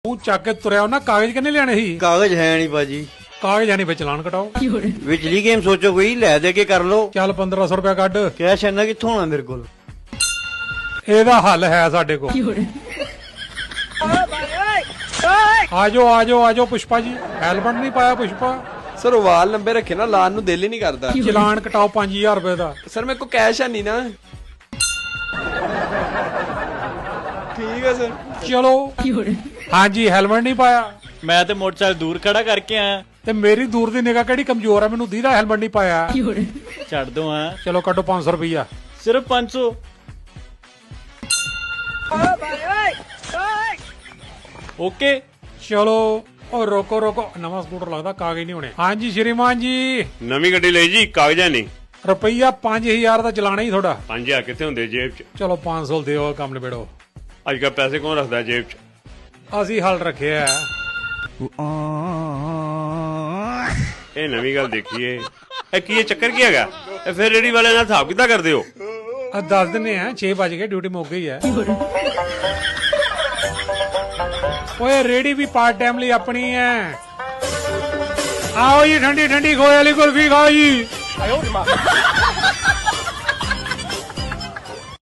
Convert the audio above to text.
ਤੂੰ ਚੱਕ ਕੇ ਤੁਰਿਆ ਉਹਨਾਂ ਕਾਗਜ਼ ਕਿੰਨੇ ਲਿਆਣੇ ਸੀ? ਕਾਗਜ਼ ਹੈ ਨਹੀਂ ਭਾਜੀ। ਕਾਗਜ਼ ਹੈ ਨਹੀਂ ਵਿੱਚ ਚਲਾਨ ਕਟਾਓ। ਵਿਚਲੀ ਗੇਮ ਸੋਚੋ ਕੋਈ ਲੈ ਦੇ ਕੇ ਕਰ ਲੋ। ਚੱਲ 1500 ਰੁਪਇਆ ਕੱਢ। ਕੈਸ਼ ਇੰਨਾ ਕਿੱਥੋਂ ਆਉਣਾ ਮੇਰੇ ਕੋਲ? ਇਹਦਾ ਹੱਲ ਹੈ ਸਾਡੇ ਕੋਲ। ਆਜੋ ਆਜੋ ਆਜੋ ਪੁਸ਼ਪਾ ਜੀ। ਹੈਲਮਟ ਨਹੀਂ ਪਾਇਆ ਪੁਸ਼ਪਾ। ਸਰ ਉਹ ਵਾਲ ਲੰਬੇ ਰੱਖੇ ਨਾ, ਲਾਣ ਨੂੰ ਦਿਲ ਹੀ ਨਹੀਂ ਕਰਦਾ। ਚਲਾਨ ਕਟਾਓ 5000 ਰੁਪਏ ਦਾ। ਸਰ ਮੇਰੇ ਕੋਲ ਕੈਸ਼ ਹੈ ਨਹੀਂ ਨਾ। ਠੀਕ ਹੈ ਸਰ। ਚਲੋ ਹਾਂਜੀ ਹੈਲਮਟ ਨਹੀਂ ਪਾਇਆ। ਮੈਂ ਤੇ ਮੋਟਰਸਾਈਕਲ ਦੂਰ ਖੜਾ ਕਰਕੇ ਆਇਆ। ਤੇ ਮੇਰੀ ਦੂਰ ਦੀ ਨਿਗਾਹ ਕਿਹੜੀ ਕਮਜ਼ੋਰ ਆ, ਮੈਨੂੰ ਦੀਦਾ ਹੈਲਮਟ ਨਹੀਂ ਪਾਇਆ। ਛੱਡ ਦੋ ਆ। ਚਲੋ ਕੱਢੋ 500 ਰੁਪਇਆ। ਸਿਰਫ 500। ਓਕੇ ਚਲੋ ਉਹ ਰੋਕੋ ਰੋਕੋ, ਨਵਾਂ ਸਕੂਟਰ ਲੱਗਦਾ ਕਾਗਜ਼ ਨਹੀਂ ਹੋਣੇ। ਹਾਂਜੀ ਸ਼੍ਰੀਮਾਨ ਜੀ। ਨਵੀਂ ਗੱਡੀ ਲਈ ਜੀ, ਕਾਗਜ਼ਾਂ ਨਹੀਂ। ਰੁਪਈਆ 5000 ਦਾ ਚਲਾਣਾ ਹੀ ਤੁਹਾਡਾ। 5000 ਕਿੱਥੇ ਹੁੰਦੇ ਜੇਬ 'ਚ? ਚਲੋ 500 ਦਿਓ, ਕੰਮ ਨਿਬੇੜੋ। ਅੱਜ ਕੱਲ੍ਹ ਪੈਸੇ ਕੌਣ ਰੱਖਦਾ ਜੇਬ 'ਚ? ਅਸੀਂ ਹੱਲ ਰੱਖਿਆ। ਇਹ ਨਵੀਂ ਗੱਲ ਦੇਖੀਏ। ਇਹ ਕੀ ਇਹ ਚੱਕਰ ਕੀ ਹੈਗਾ? ਇਹ ਫਿਰ ਰੇੜੀ ਵਾਲੇ ਨਾਲ ਹਿਸਾਬ ਕਿੱਦਾਂ ਕਰਦੇ ਹੋ? ਦੱਸ ਦਿੰਨੇ ਆ, 6 ਵਜ ਗਏ, ਡਿਊਟੀ ਮੁੱਕ ਗਈ ਹੈ। ਓਏ ਰੇੜੀ ਵੀ ਪਾਰਟ ਟਾਈਮ ਲਈ ਆਪਣੀ ਹੈ। ਆਓ ਜੀ ਠੰਡੀ ਠੰਡੀ ਖੋਏ ਵਾਲੀ ਕੁਲਫੀ ਖਾਓ ਜੀ।